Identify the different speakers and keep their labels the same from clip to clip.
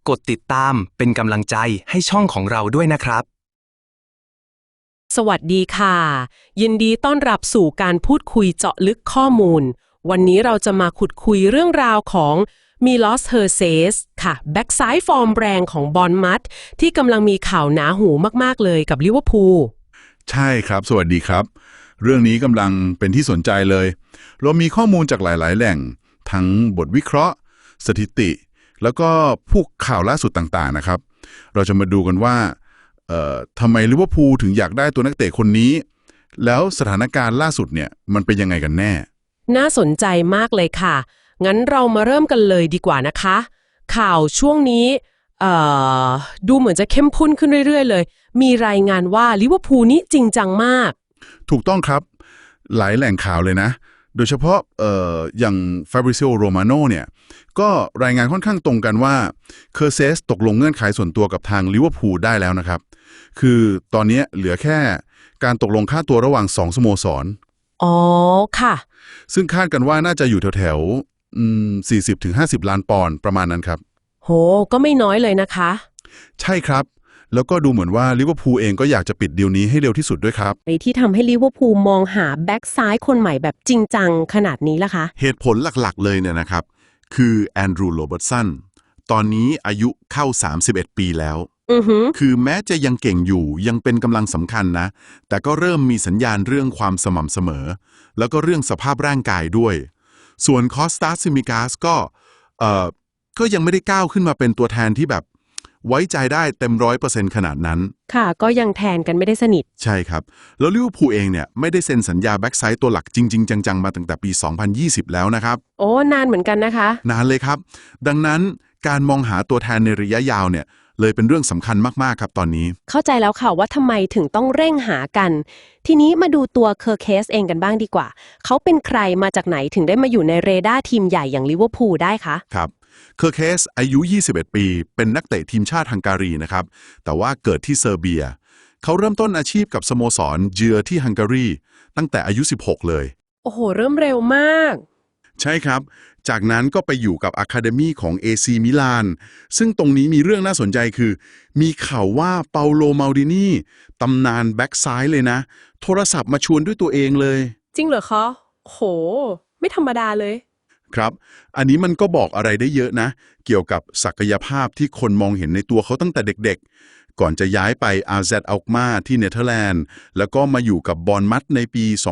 Speaker 1: กดติดตามเป็นกำลังใจให้ช่องของเราด้วยนะครับ
Speaker 2: สวัสดีค่ะยินดีต้อนรับสู่การพูดคุยเจาะลึกข้อมูลวันนี้เราจะมาขุดคุยเรื่องราวของมิลอส เฮอร์เซสค่ะแบ็กซ้ายฟอร์มแรงของบอร์นมัธที่กำลังมีข่าวหนาหูมากๆเลยกับลิเวอร์พูล
Speaker 3: ใช่ครับสวัสดีครับเรื่องนี้กำลังเป็นที่สนใจเลยเรามีข้อมูลจากหลายๆแหล่งทั้งบทวิเคราะห์สถิติแล้วก็พวกข่าวล่าสุดต่างๆนะครับเราจะมาดูกันว่าทำไมลิเวอร์พูลถึงอยากได้ตัวนักเตะคนนี้แล้วสถานการณ์ล่าสุดเนี่ยมันเป็นยังไงกันแน่
Speaker 2: น่าสนใจมากเลยค่ะงั้นเรามาเริ่มกันเลยดีกว่านะคะข่าวช่วงนี้ดูเหมือนจะเข้มข้นขึ้นเรื่อยๆเลยมีรายงานว่าลิเวอร์พูลนี้จริงจังมาก
Speaker 3: ถูกต้องครับหลายแหล่งข่าวเลยนะโดยเฉพาะอย่าง Fabrizio Romano เนี่ยก็รายงานค่อนข้างตรงกันว่าเคอร์เซสตกลงเงื่อนไขส่วนตัวกับทางลิเวอร์พูลได้แล้วนะครับคือตอนนี้เหลือแค่การตกลงค่าตัวระหว่าง2สโมสร
Speaker 2: อ๋อค่ะ
Speaker 3: ซึ่งคาดกันว่าน่าจะอยู่แถวๆ40-50 ล้านปอนด์ประมาณนั้นครับ
Speaker 2: โหก็ไม่น้อยเลยนะคะ
Speaker 3: ใช่ครับแล้วก็ดูเหมือนว่าลิเวอร์พูลเองก็อยากจะปิดดีลนี้ให้เร็วที่สุดด้วยครับ
Speaker 2: ไอ้ที่ทำให้ลิเวอร์พูลมองหาแบ็กซ้ายคนใหม่แบบจริงจังขนาดนี้ล่ะคะ
Speaker 4: เหตุผลหลักๆเลยเนี่ยนะครับคือแอนดรูว์ โรเบิร์ตสันตอนนี้อายุเข้า31 ปีแล้วคือแม้จะยังเก่งอยู่ยังเป็นกำลังสำคัญนะแต่ก็เริ่มมีสัญญาณเรื่องความสม่ำเสมอแล้วก็เรื่องสภาพร่างกายด้วยส่วนคอสตาซิมิกาสก็ยังไม่ได้ก้าวขึ้นมาเป็นตัวแทนที่แบบไว้ใจได้เต็ม100%ขนาดนั้น
Speaker 2: ค่ะก็ยังแทนกันไม่ได้สนิท
Speaker 4: ใช่ครับแล้วลิเวอร์พูลเองเนี่ยไม่ได้เซ็นสัญญาแบ็กไซด์ตัวหลักจริงๆจังๆมาตั้งแต่ปี2020แล้วนะครับ
Speaker 2: โอ้นานเหมือนกันนะคะ
Speaker 4: นานเลยครับดังนั้นการมองหาตัวแทนในระยะยาวเนี่ยเลยเป็นเรื่องสำคัญมากๆครับตอนนี้
Speaker 2: เข้าใจแล้วค่ะว่าทำไมถึงต้องเร่งหากันทีนี้มาดูตัวเคอร์เคสเองกันบ้างดีกว่าเขาเป็นใครมาจากไหนถึงได้มาอยู่ในเรดาร์ทีมใหญ่อย่างลิเวอร์พูลได้คะ
Speaker 4: ครับเคอร์เคสอายุ21 ปีเป็นนักเตะทีมชาติฮังการีนะครับแต่ว่าเกิดที่เซอร์เบียเขาเริ่มต้นอาชีพกับสโมสรเจือที่ฮังการีตั้งแต่อายุ16เลย
Speaker 2: โอ้โหเริ่มเร็วมาก
Speaker 4: ใช่ครับจากนั้นก็ไปอยู่กับอะคาเดมีของ AC มิลานซึ่งตรงนี้มีเรื่องน่าสนใจคือมีข่าวว่าเปาโล มัลดินีตำนานแบ็กซ้ายเลยนะโทรศัพท์มาชวนด้วยตัวเองเลย
Speaker 2: จริงเหรอคะโหไม่ธรรมดาเลย
Speaker 4: ครับอันนี้มันก็บอกอะไรได้เยอะนะเกี่ยวกับศักยภาพที่คนมองเห็นในตัวเขาตั้งแต่เด็กๆก่อนจะย้ายไป AZ Alkmaar ที่เนเธอร์แลนด์แล้วก็มาอยู่กับบอร์นมัธในปี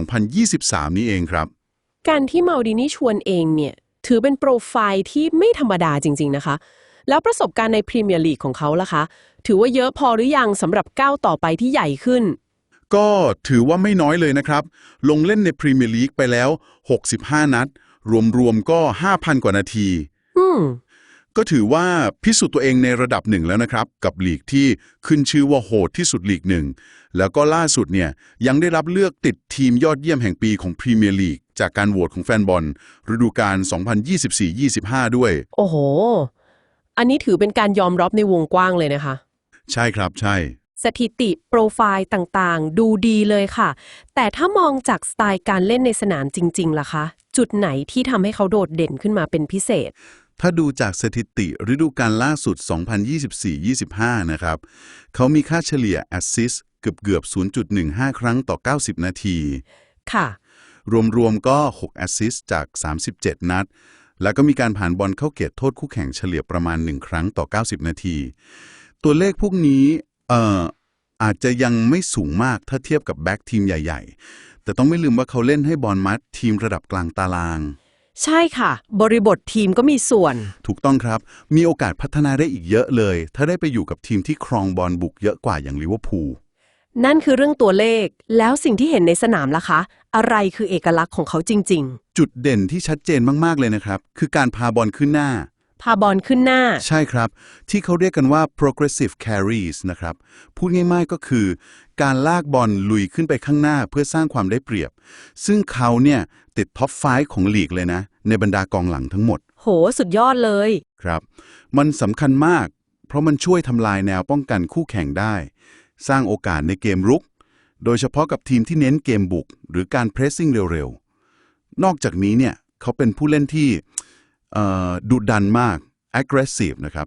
Speaker 4: 2023 นี้เองครับ
Speaker 2: การที่มัลดินีชวนเองเนี่ยถือเป็นโปรไฟล์ที่ไม่ธรรมดาจริงๆนะคะแล้วประสบการณ์ในพรีเมียร์ลีกของเขาล่ะคะถือว่าเยอะพอหรือยังสำหรับก้าวต่อไปที่ใหญ่ขึ้น
Speaker 4: ก็ถือว่าไม่น้อยเลยนะครับลงเล่นในพรีเมียร์ลีกไปแล้ว65 นัดรวมๆก็ 5,000 กว่านาทีก็ถือว่าพิสูจน์ตัวเองในระดับหนึ่งแล้วนะครับกับลีกที่ขึ้นชื่อว่าโหดที่สุดลีกหนึ่งแล้วก็ล่าสุดเนี่ยยังได้รับเลือกติดทีมยอดเยี่ยมแห่งปีของพรีเมียร์ลีกจากการโหวตของแฟนบอลฤดูกาล 2024-25 ด้วย
Speaker 2: โอ้โหอันนี้ถือเป็นการยอมรับในวงกว้างเลยนะคะ
Speaker 4: ใช่ครับใช่
Speaker 2: สถิติโปรไฟล์ต่างๆดูดีเลยค่ะแต่ถ้ามองจากสไตล์การเล่นในสนามจริงๆล่ะคะจุดไหนที่ทำให้เขาโดดเด่นขึ้นมาเป็นพิเศษ
Speaker 4: ถ้าดูจากสถิติฤดูกาลล่าสุด 2024-25 นะครับเขามีค่าเฉลี่ยแอสซิสต์เกือบ 0.15 ครั้งต่อ 90 นาที
Speaker 2: ค่ะ
Speaker 4: รวมๆก็6แอสซิสต์จาก37 นัดแล้วก็มีการผ่านบอลเข้าเขตโทษคู่แข่งเฉลี่ยประมาณ1ครั้งต่อ 90 นาทีตัวเลขพวกนี้อาจจะยังไม่สูงมากถ้าเทียบกับแบ็กทีมใหญ่ๆแต่ต้องไม่ลืมว่าเขาเล่นให้บอร์นมัธทีมระดับกลางตาราง
Speaker 2: ใช่ค่ะบริบททีมก็มีส่วน
Speaker 4: ถูกต้องครับมีโอกาสพัฒนาได้อีกเยอะเลยถ้าได้ไปอยู่กับทีมที่ครองบอลบุกเยอะกว่าอย่างลิเวอร์พูล
Speaker 2: นั่นคือเรื่องตัวเลขแล้วสิ่งที่เห็นในสนามล่ะคะอะไรคือเอกลักษณ์ของเขาจริง
Speaker 4: ๆจุดเด่นที่ชัดเจนมากๆเลยนะครับคือการพาบอลขึ้นหน้า
Speaker 2: พาบอลขึ้นหน้า
Speaker 4: ใช่ครับที่เขาเรียกกันว่า progressive carries นะครับพูดง่ายๆก็คือการลากบอลลุยขึ้นไปข้างหน้าเพื่อสร้างความได้เปรียบซึ่งเขาเนี่ยติดท็อป5ของลีกเลยนะในบรรดากองหลังทั้งหมด
Speaker 2: โหสุดยอดเลย
Speaker 4: ครับมันสำคัญมากเพราะมันช่วยทำลายแนวป้องกันคู่แข่งได้สร้างโอกาสในเกมรุกโดยเฉพาะกับทีมที่เน้นเกมบุกหรือการเพรสซิ่งเร็วๆนอกจากนี้เนี่ยเขาเป็นผู้เล่นที่ดุดันมาก aggressive นะครับ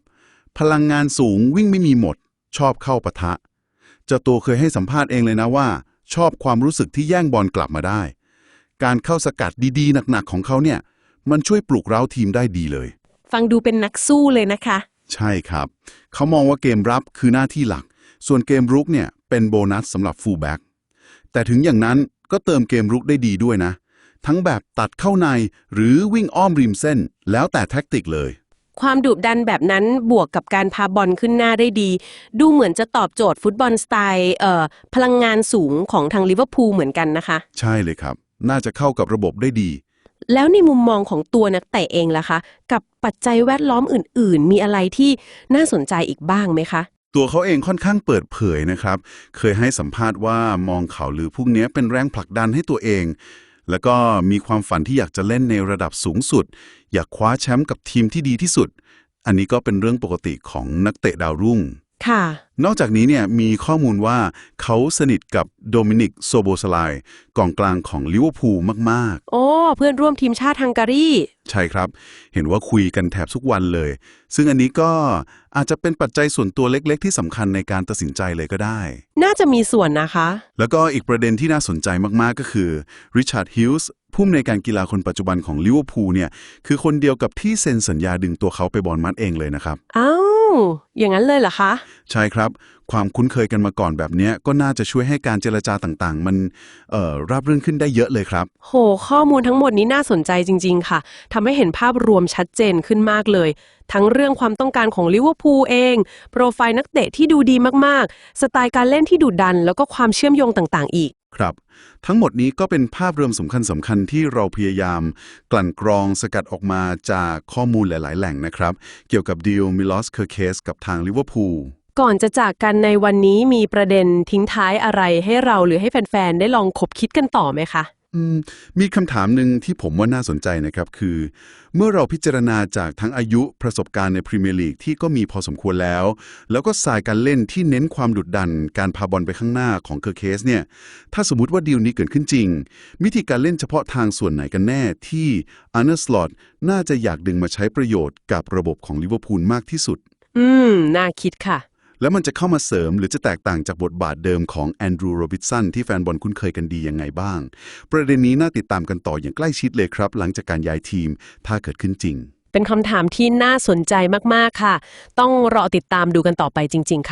Speaker 4: พลังงานสูงวิ่งไม่มีหมด ชอบเข้าปะทะเจ้าตัวเคยให้สัมภาษณ์เองเลยนะว่า ชอบความรู้สึกที่แย่งบอลกลับมาได้ การเข้าสกัดดีๆหนักๆของเขาเนี่ยมันช่วยปลุกเร้าทีมได้ดีเลย
Speaker 2: ฟังดูเป็นนักสู้เลยนะคะ
Speaker 4: ใช่ครับ เขามองว่าเกมรับคือหน้าที่หลัก ส่วนเกมรุกเนี่ยเป็นโบนัสสำหรับฟูลแบ็กแต่ถึงอย่างนั้นก็เติมเกมรุกได้ดีด้วยนะ ทั้งแบบตัดเข้าในหรือวิ่งอ้อมริมเส้นแล้วแต่แท็กติกเลย
Speaker 2: ความดุดันแบบนั้นบวกกับการพาบอลขึ้นหน้าได้ดี ดูเหมือนจะตอบโจทย์ฟุตบอลสไตล์พลังงานสูงของทางลิเวอร์พูลเหมือนกันนะคะ
Speaker 4: ใช่เลยครับ น่าจะเข้ากับระบบได้ดี
Speaker 2: แล้วในมุมมองของตัวนักเตะเองล่ะคะ กับปัจจัยแวดล้อมอื่นๆ มีอะไรที่น่าสนใจอีกบ้างไหมคะ
Speaker 4: ตัวเขาเองค่อนข้างเปิดเผยนะครับ เคยให้สัมภาษณ์ว่ามองข่าวลือพวกนี้เป็นแรงผลักดันให้ตัวเอง แล้วก็มีความฝันที่อยากจะเล่นในระดับสูงสุด อยากคว้าแชมป์กับทีมที่ดีที่สุด อันนี้ก็เป็นเรื่องปกติของนักเตะดาวรุ่ง
Speaker 2: ค่ะ
Speaker 4: นอกจากนี้เนี่ยมีข้อมูลว่าเขาสนิทกับโดมินิกโซโบสไลน์กองกลางของลิเวอร์พูลมากๆ
Speaker 2: โอ้เพื่อนร่วมทีมชาติฮังการี
Speaker 4: ใช่ครับ เห็นว่าคุยกันแทบทุกวันเลย ซึ่งอันนี้ก็อาจจะเป็นปัจจัยส่วนตัวเล็กๆที่สำคัญในการตัดสินใจเลยก็ได้
Speaker 2: น่าจะมีส่วนนะคะ
Speaker 4: แล้วก็อีกประเด็นที่น่าสนใจมากๆก็คือริชาร์ดฮิลส์ผู้อำนวยการกีฬาคนปัจจุบันของลิเวอร์พูลเนี่ยคือคนเดียวกับที่เซ็นสัญญาดึงตัวเขาไปบอร์นมัธเองเลยนะครับ
Speaker 2: อ้าวอย่างนั้นเลยเหรอคะ
Speaker 4: ใช่ครับ ความคุ้นเคยกันมาก่อนแบบเนี้ยก็น่าจะช่วยให้การเจรจาต่างๆ มันราบรื่นขึ้นได้เยอะเลยครับ
Speaker 2: โห ข้อมูลทั้งหมดนี้น่าสนใจจริงๆค่ะทำให้เห็นภาพรวมชัดเจนขึ้นมากเลย ทั้งเรื่องความต้องการของลิเวอร์พูลเอง โปรไฟล์นักเตะที่ดูดีมากๆ สไตล์การเล่นที่ดุดัน แล้วก็ความเชื่อมโยงต่างๆอีก
Speaker 4: ครับ ทั้งหมดนี้ก็เป็นภาพรวมสำคัญที่เราพยายามกลั่นกรองสกัดออกมาจากข้อมูลหลายๆ แหล่งนะครับ เกี่ยวกับดีลมิลอสเคอร์เคสกับทางลิเวอร์พูล
Speaker 2: ก่อนจะจากกันในวันนี้มีประเด็นทิ้งท้ายอะไรให้เราหรือให้แฟนๆ ได้ลองคบคิดกันต่อไหมคะ
Speaker 4: มีคำถามหนึ่งที่ผมว่าน่าสนใจนะครับคือ เมื่อเราพิจารณาจากทั้งอายุประสบการณ์ในพรีเมียร์ลีกที่ก็มีพอสมควรแล้วก็สายการเล่นที่เน้นความดุดันการพาบอลไปข้างหน้าของเคอร์เคสเนี่ยถ้าสมมติว่าดีลนี้เกิดขึ้นจริงวิธีการเล่นเฉพาะทางส่วนไหนกันแน่ที่อาร์เน สล็อตน่าจะอยากดึงมาใช้ประโยชน์กับระบบของลิเวอร์พูลมากที่สุด
Speaker 2: น่าคิดค่ะ
Speaker 4: แล้วมันจะเข้ามาเสริมหรือจะแตกต่างจากบทบาทเดิมของแอนดรูว์โรบินสันที่แฟนบอลคุ้นเคยกันดียังไงบ้าง ประเด็นนี้น่าติดตามกันต่ออย่างใกล้ชิดเลยครับ หลังจากการย้ายทีมถ้าเกิดขึ้นจริง
Speaker 2: เป็นคำถามที่น่าสนใจมากๆค่ะ ต้องรอติดตามดูกันต่อไปจริงๆค่ะ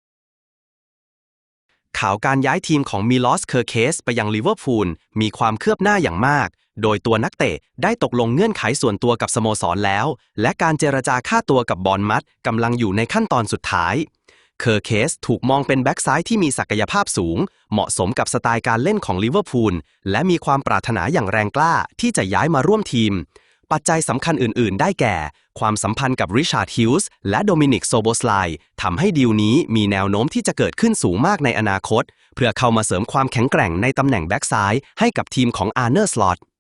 Speaker 1: ข่าวการย้ายทีมของมิลอสเคอร์เคสไปยังลิเวอร์พูลมีความคืบหน้าอย่างมาก โดยตัวนักเตะได้ตกลงเงื่อนไขส่วนตัวกับสโมสรแล้ว และการเจรจาค่าตัวกับบอร์นมัธกำลังอยู่ในขั้นตอนสุดท้ายเคอร์เคสถูกมองเป็นแบ็กซ้ายที่มีศักยภาพสูงเหมาะสมกับสไตล์การเล่นของลิเวอร์พูลและมีความปรารถนาอย่างแรงกล้าที่จะย้ายมาร่วมทีมปัจจัยสำคัญอื่นๆได้แก่ความสัมพันธ์กับริชาร์ดฮิลส์และโดมินิกโซโบสไลน์ทำให้ดีลนี้มีแนวโน้มที่จะเกิดขึ้นสูงมากในอนาคตเพื่อเข้ามาเสริมความแข็งแกร่งในตำแหน่งแบ็กซ้ายให้กับทีมของอาร์เน สล็อต